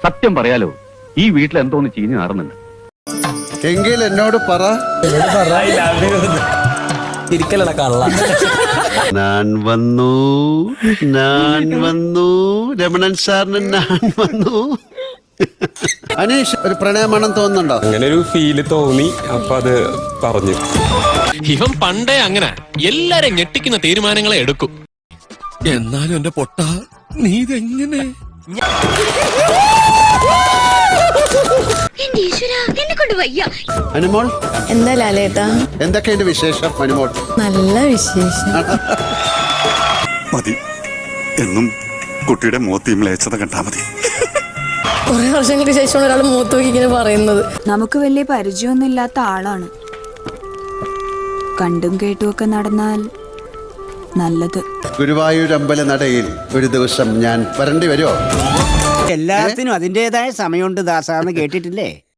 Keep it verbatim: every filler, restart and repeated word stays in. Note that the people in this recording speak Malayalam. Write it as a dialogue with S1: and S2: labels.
S1: സത്യം പറയാലോ, ഈ വീട്ടിൽ എന്തോന്ന് ചീഞ്ഞു നടന്നുണ്ട്.
S2: എങ്കിൽ എന്നോട് പറ. ഞാൻ വന്നു, ഞാൻ വന്നു, രമണൻ സാറിന് ഞാൻ വന്നു. അനീഷ്, ഒരു പ്രണയമാണെന്ന് തോന്നുന്നുണ്ടോ?
S3: അങ്ങനെ ഒരു ഫീല് തോന്നി, അപ്പൊ അത് പറഞ്ഞു.
S4: ഇവൻ പണ്ടേ അങ്ങനെ എല്ലാരും ഞെട്ടിക്കുന്ന തീരുമാനങ്ങളെ എടുക്കും. എന്നാലും എന്റെ പൊട്ട, നീ ഇതെങ്ങനെ?
S2: അനുമോൾ,
S5: എന്താ ലാലേട്ടാ?
S2: എന്തൊക്കെയുണ്ട് വിശേഷം അനുമോൾ?
S5: നല്ല വിശേഷം.
S6: മതി, എന്നും കുട്ടിയുടെ മുഖത്ത് മ്ലേച്ഛത കണ്ടാ മതി.
S5: കുറെ വർഷങ്ങൾക്ക് ശേഷമാണ് ഒരാൾ മൂത്ത് നോക്കി ഇങ്ങനെ പറയുന്നത്.
S7: നമുക്ക് വലിയ പരിചയമൊന്നും ഇല്ലാത്ത ആളാണ്. കണ്ടും കേട്ടുമൊക്കെ നടന്നാൽ നല്ലത്.
S2: ഗുരുവായൂർ അമ്പല നടയിൽ ഒരു ദിവസം ഞാൻ വരേണ്ടി വരുമോ?
S8: എല്ലാത്തിനും അതിൻ്റെതായ സമയമുണ്ട് ദാസാന്ന് കേട്ടിട്ടില്ലേ?